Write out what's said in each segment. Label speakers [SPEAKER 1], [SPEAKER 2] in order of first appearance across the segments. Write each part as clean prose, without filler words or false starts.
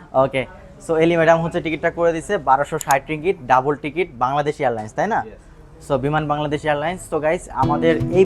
[SPEAKER 1] ওকে, so Ellie madam হচ্ছে টিকিটটা করে দিছে 1260 ringgit, double ticket, Bangladesh Airlines, তাই না? সো বিমান বাংলাদেশ এয়ারলাইন্স। তো গাইস আমাদের এই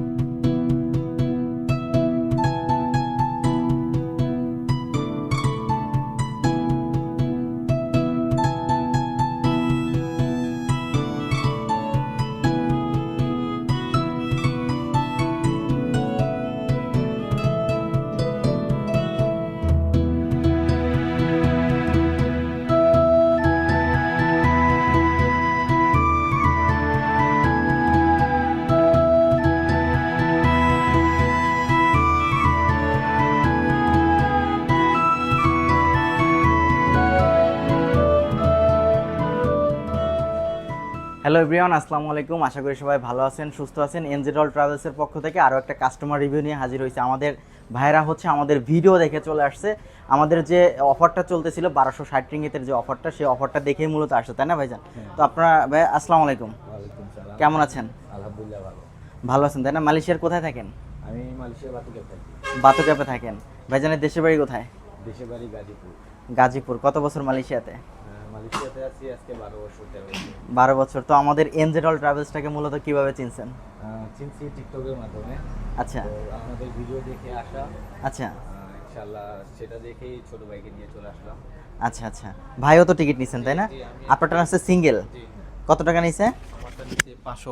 [SPEAKER 1] হ্যালো এভরিওয়ান, আসসালামু আলাইকুম। আশা করি সবাই ভালো আছেন, সুস্থ আছেন। এনজেড ট্রাভেলসের পক্ষ থেকে আরও একটা কাস্টমার রিভিউ নিয়ে হাজির হয়েছে। আমাদের ভাইরা হচ্ছে আমাদের ভিডিও দেখে চলে আসছে। আমাদের যে অফারটা চলতেছিল 1260 রিঙ্গিতের যে অফারটা, সেই অফারটা দেখেই মূলত আসছে, তাই না ভাইজান? তো আপনারা ভাই আসসালামু আলাইকুম, কেমন আছেন?
[SPEAKER 2] আলহামদুলিল্লাহ ভালো।
[SPEAKER 1] ভালো আছেন তাই না? মালয়েশিয়ার কোথায় থাকেন?
[SPEAKER 2] আমি মালয়েশিয়া বাতুকে থাকি।
[SPEAKER 1] বাতুক্যাপে থাকেন। ভাইজানের দেশের বাড়ি কোথায়?
[SPEAKER 2] দেশের বাড়ি গাজীপুর।
[SPEAKER 1] গাজীপুর। কত বছর মালয়েশিয়াতে?
[SPEAKER 2] মালয়েশিয়াতে আছি আজকে 12 বছর 13 বছর।
[SPEAKER 1] 12 বছর। তো আমাদের এনজেড ট্রাভেলসটাকে মূলত কিভাবে চিনছেন?
[SPEAKER 2] চিনছি টিকটকের মাধ্যমে।
[SPEAKER 1] আচ্ছা
[SPEAKER 2] তো আপনাদের ভিডিও দেখে আসা,
[SPEAKER 1] আচ্ছা
[SPEAKER 2] ইনশাআল্লাহ সেটা দেখেই ছোট ভাইকে নিয়ে চলে আসলাম।
[SPEAKER 1] আচ্ছা আচ্ছা, ভাইও তো টিকিট নিছেন তাই না?
[SPEAKER 2] জি, আমি
[SPEAKER 1] আপনারটা আছে সিঙ্গেল।
[SPEAKER 2] জি,
[SPEAKER 1] কত টাকা নিছে?
[SPEAKER 2] আমারটা নিচে 500।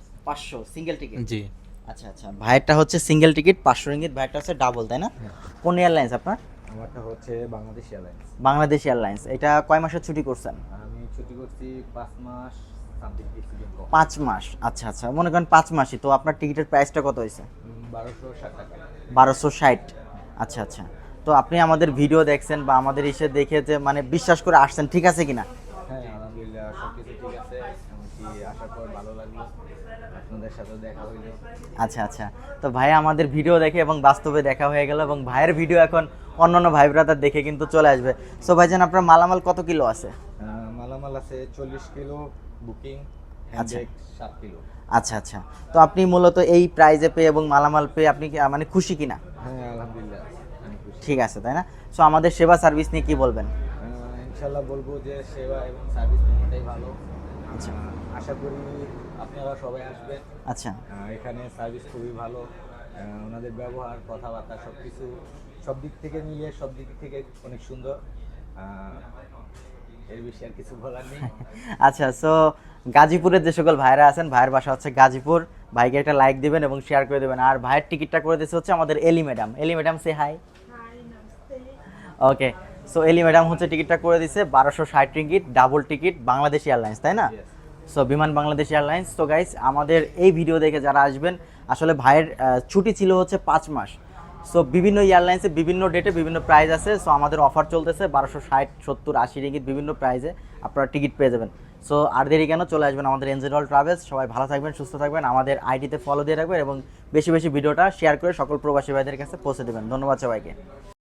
[SPEAKER 1] 500 সিঙ্গেল টিকিট।
[SPEAKER 2] জি।
[SPEAKER 1] আচ্ছা আচ্ছা, ভাইয়েরটা হচ্ছে সিঙ্গেল টিকিট 500 রিঙ্গিত, ভাইয়েরটা হচ্ছে ডাবল, তাই না?
[SPEAKER 2] হ্যাঁ।
[SPEAKER 1] কোন এয়ারলাইন্স আপনার?
[SPEAKER 2] আমারটা হচ্ছে বাংলাদেশ এয়ারলাইন্স।
[SPEAKER 1] বাংলাদেশ এয়ারলাইন্স। এটা কয় মাসের ছুটি করছেন?
[SPEAKER 2] আমি ছুটি করছি 5 মাস সামথিং কিছু দিন কম।
[SPEAKER 1] 5 মাস। আচ্ছা আচ্ছা, মনে করেন 5 মাসই। তো আপনার টিকিটের প্রাইসটা কত হয়েছে?
[SPEAKER 2] 1260 টাকা।
[SPEAKER 1] 1260। আচ্ছা আচ্ছা, তো আপনি আমাদের ভিডিও দেখছেন বা আমাদের এসে দেখে যে মানে বিশ্বাস করে আসছেন, ঠিক আছে কিনা?
[SPEAKER 2] হ্যাঁ আলহামদুলিল্লাহ সবকিছু ঠিক আছে। এমনকি আসার পর ভালো লাগলো, আপনাদের সাথে দেখা হইলো।
[SPEAKER 1] আচ্ছা আচ্ছা, তো ভাই আমাদের ভিডিও দেখে এবং বাস্তবে দেখা হয়ে গেল, এবং ভাইয়ের ভিডিও এখন অন্যান্য ভাই ব্রাদার দেখে কিন্তু চলে আসবে। সো ভাইজান আপনার মালামাল কত কিলো আছে?
[SPEAKER 2] মালামাল আছে 40 কিলো বুকিং,
[SPEAKER 1] আচ্ছা।
[SPEAKER 2] Handbag 7 kilo.
[SPEAKER 1] আচ্ছা আচ্ছা, তো আপনি মূলত এই প্রাইজে পেয়ে এবং মালামাল পেয়ে আপনি মানে খুশি কিনা?
[SPEAKER 2] হ্যাঁ আলহামদুলিল্লাহ আমি খুশি।
[SPEAKER 1] ঠিক আছে তাই না? সো আমাদের সেবা সার্ভিস নিয়ে কি বলবেন?
[SPEAKER 2] ইনশাল্লাহ বলবো যে সেবা এবং সার্ভিস দুটোটাই ভালো।
[SPEAKER 1] আচ্ছা
[SPEAKER 2] আশা করি আপনারা সবাই আসবেন।
[SPEAKER 1] আচ্ছা
[SPEAKER 2] এখানে সার্ভিস খুবই ভালো। ওনাদের ব্যবহার, কথাবার্তা সব কিছু সব দিক থেকে মিলিয়ে সব দিক থেকে অনেক সুন্দর। এর বেশি আর কিছু বলার নেই।
[SPEAKER 1] আচ্ছা, সো গাজীপুরের যে সকল ভাইরা আছেন, ভাইয়ের বাসা হচ্ছে গাজীপুর, ভাইকে একটা লাইক দিবেন এবং শেয়ার করে দেবেন। আর ভাইয়ের টিকিটটা করে দিচ্ছে হচ্ছে আমাদের এলি ম্যাডাম। এলি ম্যাডাম সে হাই। ওকে, সো এলি ম্যাডাম হচ্ছে টিকিটটা করে দিছে 1260 ringgit, double ticket, Bangladesh Airlines, তাই না?
[SPEAKER 2] Yes.
[SPEAKER 1] সো বিমান বাংলাদেশ এয়ারলাইন্স। তো গাইস আমাদের এই ভিডিও দেখে যারা আসবেন, আসলে ভাইয়ের ছুটি ছিল হচ্ছে 5 মাস। সো বিভিন্ন এয়ারলাইন্সে বিভিন্ন ডেটে বিভিন্ন প্রাইস আছে। সো আমাদের অফার চলতেছে 1260, 70, 80 রিঙ্গিত বিভিন্ন প্রাইসে আপনারা টিকিট পেয়ে যাবেন। সো আর দেরি কেন, চলে আসবেন আমাদের এনজেড ট্রাভেলস। সবাই ভালো থাকবেন, সুস্থ থাকবেন, আমাদের আইডিতে ফলো দিয়ে রাখবেন এবং বেশি বেশি ভিডিওটা শেয়ার করে সকল প্রবাসী ভাইদের কাছে পৌঁছে দেবেন। ধন্যবাদ সবাইকে।